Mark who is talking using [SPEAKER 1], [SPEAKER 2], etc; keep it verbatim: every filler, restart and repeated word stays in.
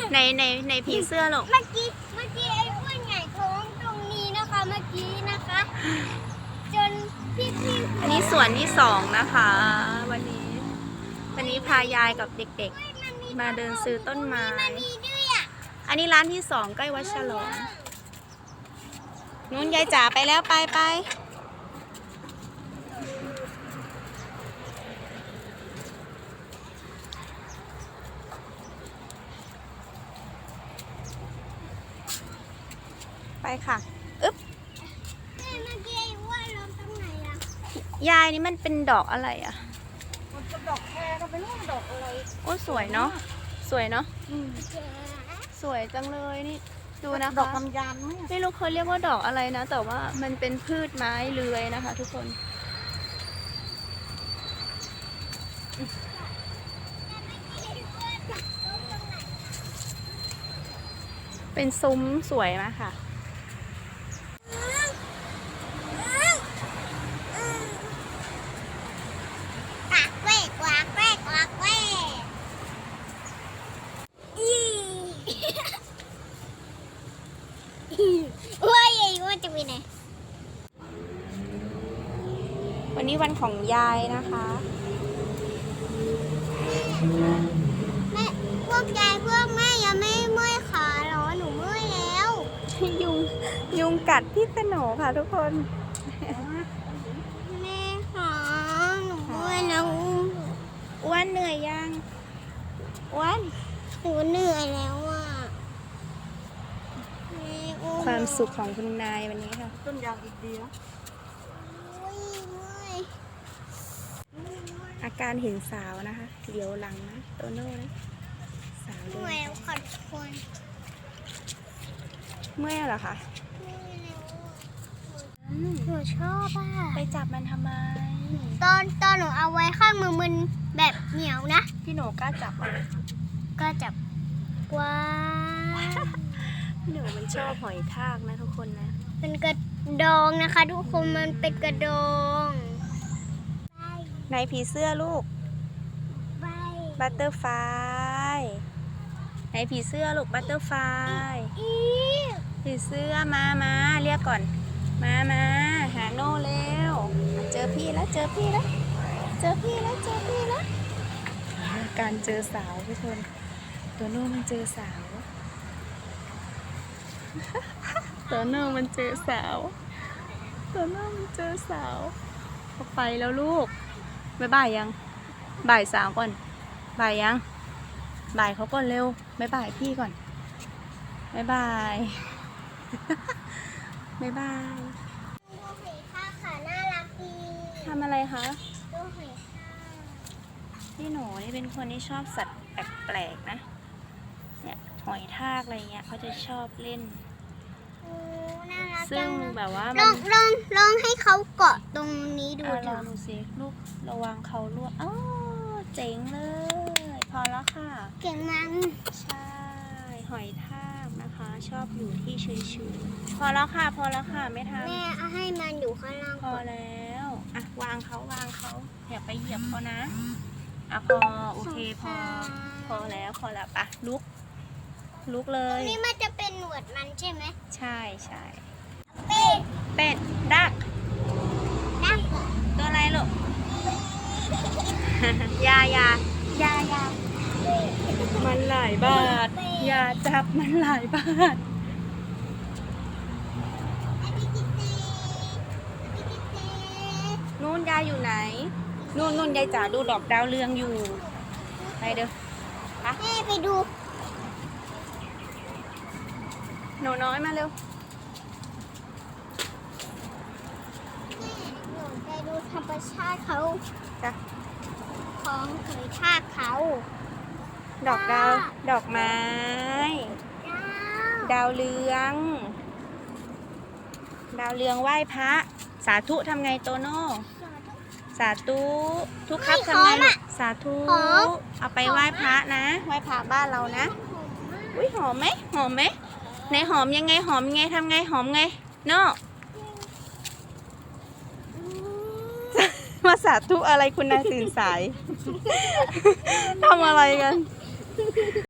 [SPEAKER 1] ในในในผีเสื้อหรอก
[SPEAKER 2] เมื่อกี้เมื่อกี้ไอ้อ้วนใหญ่ท้องตรงนี้นะคะเมื่อกี้นะคะจนพี่พี่
[SPEAKER 1] อันนี้ส่วนที่สองนะคะ วันนี้ วันนี้พายายกับเด็กๆ มาเดินซื้อต้นไม้ อันนี้ร้านที่สองใกล้วัดฉลองนู้นยายจ๋าไปแล้วไปไปไปค่ะอึ๊บ
[SPEAKER 2] เมื่อกี้ไอ้อ้วนล้มตรงไหนอะ
[SPEAKER 1] ยายนี่มันเป็นดอกอะไรอ่ะ
[SPEAKER 3] มันจะดอกแครก็ไม่รู้ว่าดอกอะไร
[SPEAKER 1] โอ้สวยเนาะสวยเนาะ
[SPEAKER 3] อืม
[SPEAKER 1] สวยจังเลยนี่ดูนะคะ
[SPEAKER 3] ดอกกำยานไหม
[SPEAKER 1] ไม่รู้เขาเรียกว่าดอกอะไรนะ แต่ว่ามันเป็นพืชไม้เลื้อยนะคะ ทุกคนเป็นซุ้มสวยมากค่ะ
[SPEAKER 2] กากแวกกวากแวกกวากแวกอีว่าไอ้อ้วนจะไปไหน
[SPEAKER 1] วันนี้วันของยายนะคะ
[SPEAKER 2] แม่พวกยายพวกแม่ยังไม่เมื่อยขาเหรอหนูเมื่อยแล้ว
[SPEAKER 1] ยุงยุงกัดพี่สโหนค่ะทุกคน
[SPEAKER 2] แม่ขาหนูเมื่อยแล้ว
[SPEAKER 1] อ้วนเหนื่อยยังอ้วน
[SPEAKER 2] หนูเหนื่อยแล้วอ่ะแม่อุ้
[SPEAKER 1] ความสุขของคุณนายวันนี้ค่ะ
[SPEAKER 3] ต้นยางอีกเดียว
[SPEAKER 2] อุ้ยเมื่อย
[SPEAKER 1] อาการเห็นสาวนะคะเดี๋ยวหลังนะโตโน่นะสาว
[SPEAKER 2] เมื่
[SPEAKER 1] เดิ
[SPEAKER 2] อย
[SPEAKER 1] น
[SPEAKER 2] แล้วค่ะทุกคน
[SPEAKER 1] เมื่อยเหรอคะ
[SPEAKER 2] เมื่อยแล้วอะ
[SPEAKER 1] อืม
[SPEAKER 2] หนูชอบอ่ะ
[SPEAKER 1] ไปจับมันทำไม
[SPEAKER 2] ตอนตอนหนูเอาไว้ข้างมือมันแบบเหนียวนะ
[SPEAKER 1] พี่หนูกล้าจับอ่ะ
[SPEAKER 2] ก็จับว้า
[SPEAKER 1] พี่หนูมันชอบหอยทากนะทุกคนนะ
[SPEAKER 2] เป็นกระดองนะคะ ทุกคนมันเป็นกระดอง
[SPEAKER 1] ไหนผีเสื้อลูก
[SPEAKER 2] ใบ
[SPEAKER 1] บัตเตอร์ไฟไหนผีเสื้อลูกบัตเตอร์ไฟ
[SPEAKER 2] อี
[SPEAKER 1] ผีเสื้อมามาเรียกก่อน มามาหาโน่เร็วเจอพี่แล้วเจอพี่แล้วเจอพี่แล้วเจอพี่แล้วการเจอสาวทุกคนตัวโน่มันเจอสาว ตัวโน่มันเจอสาวตัวโน่มันเจอสาวเขาไปแล้วลูกบ๊ายบายยังบ่ายสาวก่อนบ่ายยังบ่ายเขาก่อนเร็วบ๊ายบายพี่ก่อนบ๊ายบาย บ๊ายบาย
[SPEAKER 2] ดูหอยทากค่ะน่ารักดี
[SPEAKER 1] ทำอะไรคะ
[SPEAKER 2] ดูหอยทาก
[SPEAKER 1] พี่หนูนี่เป็นคนที่ชอบสัตว์แปลกๆนะเนี่ยหอยทากอะไรเงี้ยเขาจะชอบเล่น
[SPEAKER 2] โอ้น่ารัก
[SPEAKER 1] ซึ่
[SPEAKER 2] จั
[SPEAKER 1] ง
[SPEAKER 2] งเลย
[SPEAKER 1] แบบว่า
[SPEAKER 2] ล
[SPEAKER 1] มั
[SPEAKER 2] อน งลองลองให้เขาเกาะตรงนี้ดู
[SPEAKER 1] อ่ะ
[SPEAKER 2] เถ
[SPEAKER 1] ลอง
[SPEAKER 2] อะ
[SPEAKER 1] ดูสิลูกระวังเขาลวกอ๋อเจ๋งเลย พอแล้วค่ะ
[SPEAKER 2] เก่งมัน
[SPEAKER 1] ใช่หอยทากนะคะ ชอบอยู่ที่ชื้นๆพอแล้วค่ะ พอแล้วค่ะไม่ท
[SPEAKER 2] แม่เอาให้มันอยู่ข้างล่าง
[SPEAKER 1] ำพอ
[SPEAKER 2] ก่อน
[SPEAKER 1] แล้วอ่ะวางเขาวางเขาอย่าไปเหยียบเขานะอ่ะพอโอเคพอ พอแล้วพอแล้วปะลุก ลุกเล
[SPEAKER 2] ตรง
[SPEAKER 1] ย
[SPEAKER 2] นี้มันจะเป็นหนวดมันใช่ไหม
[SPEAKER 1] ใช่ใช่
[SPEAKER 2] เป็ด
[SPEAKER 1] เป็ดดัก
[SPEAKER 2] ดัก
[SPEAKER 1] ตัวอะไรลูก ยายายายามันหลายบาทยาจับมันหลายบาท
[SPEAKER 2] อันนี้กิเต้อันนี้กิเต้
[SPEAKER 1] นู่นยายอยู่ไหน นู่นนู่นยายจ๋าดูดอกดาวเรืองอยู่ ไปเด้อ
[SPEAKER 2] แม่ไปดู
[SPEAKER 1] หนูน้อยมาเร็ว
[SPEAKER 2] แม่หนูไปดูธรรมชาติเขา
[SPEAKER 1] จ้ะ
[SPEAKER 2] ของหอยทากเขา
[SPEAKER 1] ดอกดาว ดอกไม้
[SPEAKER 2] ดาว
[SPEAKER 1] ดาวเรือง ดาวเรืองไหว้พระ สาธุทำไงโตโน่ สาธุ ทุกครับทำไงลูกสาธุ เอาไปไหว้พระนะ ไหว้พระบ้านเรานะ อุ้ยหอมไหมหอมไหมไหนหอมยังไงหอมยังไงทำไงหอมไงโน่ มาสาธุอะไรคุณนายตื่นสาย ทำอะไรกัน